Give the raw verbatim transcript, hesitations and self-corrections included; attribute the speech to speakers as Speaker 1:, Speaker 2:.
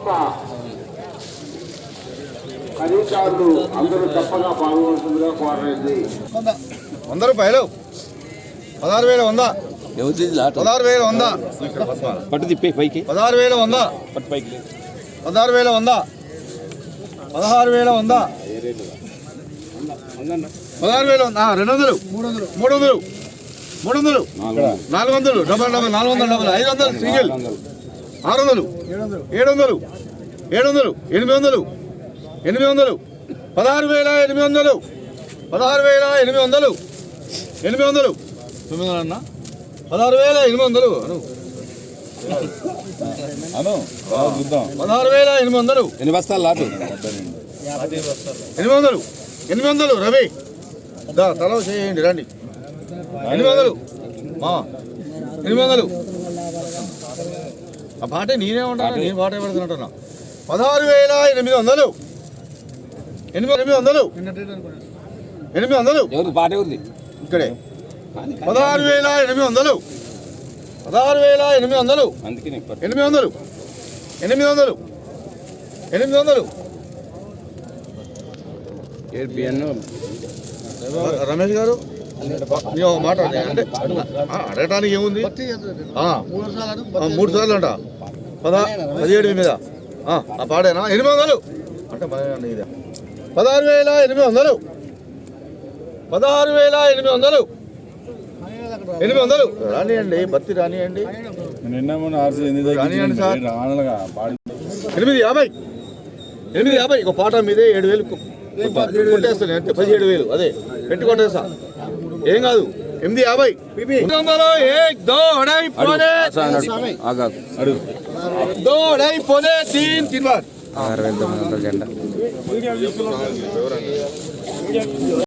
Speaker 1: యొక్క ఖరీదారులు అందరూ తప్పగా పాల్గొంటుందిగా కోరలేదు.
Speaker 2: వంద రూపాయలు పదహారు వేల వంద పదహారు వేల వంద
Speaker 3: పట్టు తిప్పే పైకి
Speaker 2: పదహారు వేల వంద
Speaker 3: పట్టు పైకి
Speaker 2: పదహారు వేల వంద పదహారు వేల వంద పదహారు వేల వంద రెండు వందలు మూడు వందలు మూడు వందలు మూడు వందలు నాలుగు వందలు డబల్ డబల్ నాలుగు వందలు డబల్ ఐదు వందలు సింగిల్ ఆరు వందలు ఏడు వందలు ఏడు వందలు ఎనిమిది వందలు ఎనిమిది వందలు పదహారు వేల ఎనిమిది వందలు పదహారు వేల ఎనిమిది వందలు ఎనిమిది వందలు తొమ్మిది వందలు అన్న పదహారు వేల ఎనిమిది వందలు అను పదహారు వేల ఎనిమిది వందలు
Speaker 3: ఎన్ని బస్తాలు లాటు
Speaker 2: ఎనిమిది వందలు ఎనిమిది వందలు రవి దా తల చేయండి రండి ఎనిమిది వందలు మా ఎనిమిది వందలు ఆ పాటే నేనే ఉంటాను నేను పాట పెడుతున్నట్టున్నా పదహారు వేల ఎనిమిది వందలు ఎనిమిది ఎనిమిది వందలు ఎనిమిది వందలు
Speaker 3: పాట ఉంది
Speaker 2: ఇక్కడే పదహారు వేల ఎనిమిది వందలు పదహారు వేల ఎనిమిది వందలు ఎనిమిది వందలు ఎనిమిది వందలు ఎనిమిది వందలు రమేష్ గారు మాట అంటే అడగటానికి ఏముంది మూడు సార్లు అంట పదా పదిహేడు మీద ఆ పాడేనా ఎనిమిది వందలు అంటే ఇదే పదహారు వేల ఎనిమిది వందలు పదహారు వేల ఎనిమిది వందలు ఎనిమిది వందలు రానియండి బత్తి రానియండి రానియండి సార్ ఎనిమిది యాభై ఎనిమిది యాభై ఒక పాట మీదే ఏడు వేలు కొట్టేస్తాను అంటే పదిహేడు వేలు అదే పెట్టి కొట్టేస్తా ఏం కాదు ఎనిమిది యాభై దోడైపోతే తీన్ తిన్వార్